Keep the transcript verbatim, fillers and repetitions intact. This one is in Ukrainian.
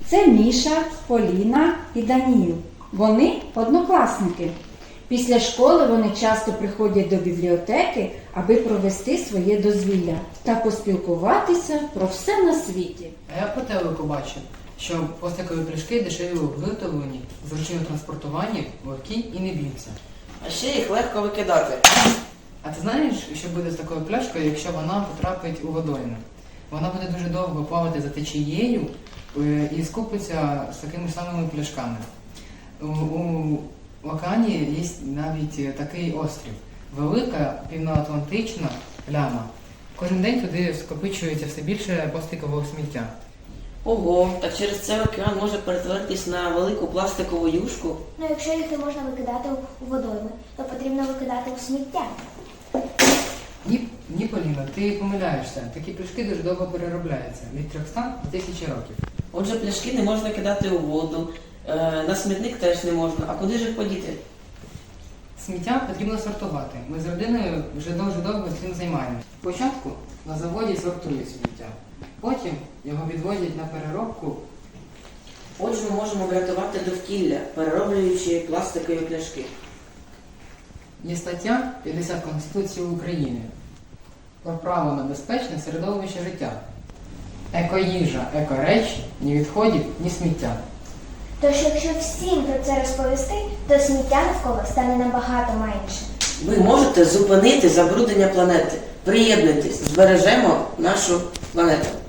Це Міша, Поліна і Даніїл. Вони однокласники. Після школи вони часто приходять до бібліотеки, аби провести своє дозвілля та поспілкуватися про все на світі. А я по телеку бачив, що пластикові пляшки дешеві у виготовленні, зручні у транспортуванні, легкі і не б'ються. А ще їх легко викидати. А ти знаєш, що буде з такою пляшкою, якщо вона потрапить у водойми? Вона буде дуже довго плавати за течією е, і скупиться з такими самими пляшками. У, у океані є навіть такий острів. Велика півноатлантична пляма. Кожен день туди скопичується все більше пластикового сміття. Ого, так через це океан може перетворитись на велику пластикову юшку. Ну, якщо їх не можна викидати у водойми, то потрібно викидати у сміття. Ні, ні, Поліна, ти помиляєшся. Такі пляшки дуже довго переробляються. Від трьохсот до тисячі років. Отже, пляшки не можна кидати у воду, е, на смітник теж не можна. А куди ж їх подіти? Сміття потрібно сортувати. Ми з родиною вже дуже довго цим займаємося. Спочатку на заводі сортують сміття. Потім його відвозять на переробку. Отже, ми можемо врятувати довкілля, перероблюючи пластикові пляшки. Є стаття п'ятдесят Конституції України про право на безпечне середовище життя. Екоїжа, екоречі, ні відходів, ні сміття. Тож, якщо всім про це розповісти, то сміття навколо стане набагато менше. Ви можете зупинити забруднення планети. Приєднуйтесь, збережемо нашу планету.